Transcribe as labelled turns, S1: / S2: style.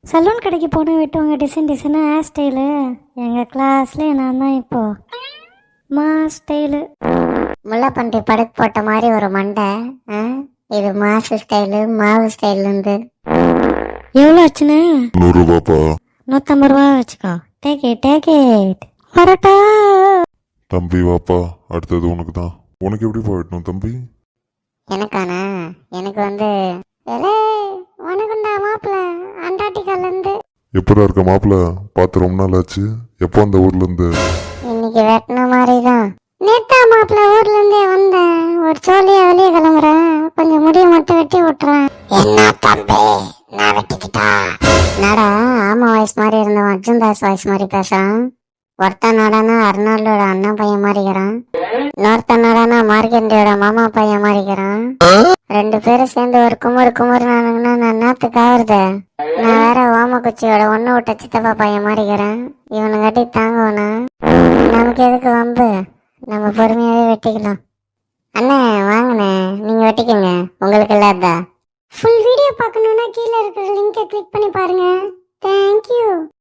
S1: Salon கடைக்கு போன வெட்டுவாங்க டிசைன் டிசைனாக ஹேர் ஸ்டைலு. எங்கள் கிளாஸ்லேயே நான் தான் இப்போது மா ஸ்டைலு. முல்லைப்பன்றி படுக்கு போட்ட மாதிரி ஒரு மண்டை. இது மாசு ஸ்டைலு மாவு ஸ்டைலுந்து. எவ்வளோ ஆச்சுன்னு?
S2: 100 ரூபாப்பா.
S1: 150 ரூபா வச்சுக்கோ. Take it. வரட்டா
S2: தம்பி வாப்பா, அடுத்தது உனக்கு தான். உனக்கு எப்படிப்பா வெட்டணும் தம்பி?
S1: எனக்கானா? எனக்கு வந்து உனக்குண்டா மாப்பிள்ள அண்டார்டிகாலேருந்து.
S2: எப்படா இருக்க மாப்பிள்ள? பார்த்து ரொம்ப நாள் ஆச்சு. எப்போ அந்த ஊர்ல இருந்து?
S1: இன்னைக்கு வெட்டின மாதிரி தான். நேத்தா மாப்பிள்ள ஊர்ல இருந்தே வந்தேன். ஒரு சோழியா வெளியே கிளம்புறேன். கொஞ்சம் முடிய மட்டும் வெட்டி விட்டுறேன். என்ன தம்பி நான் வெட்டிக்கிட்டா? நடா ஆமா வாய்ஸ் மாதிரி இருந்தவன் அர்ஜுன் தாஸ் வாய்ஸ் மாதிரி பேசுறான். ஒருத்தன் நாடானா அர்னால்டோட அண்ணன் பையன் மாறிக்கிறான். இன்னொருத்தன் நாடானா மார்க்கெண்டியோட மாமா பையன் மாறிக்கிறான். 2 பேரும் சேர்ந்து ஒரு குமுறு நானுங்கன்னா நான் நாத்துக்கு ஆகுறது. நான் வேற ஓமக்குச்சியோட ஒண்ணு விட்ட சித்தப்பா பையன் மாறிக்கிறேன். இவனை கட்டி தாங்குவனா? நமக்கு எதுக்கு வம்பு? நம்ம பொறுமையாவே வெட்டிக்கலாம். அண்ணே வாங்கண்ணே, நீங்க வெட்டிக்கங்க, உங்களுக்கு இல்லாதா. ஃபுல் வீடியோ பார்க்கணும்னா கீழே இருக்கிற லிங்கை கிளிக் பண்ணி பாருங்க. தேங்க்யூ.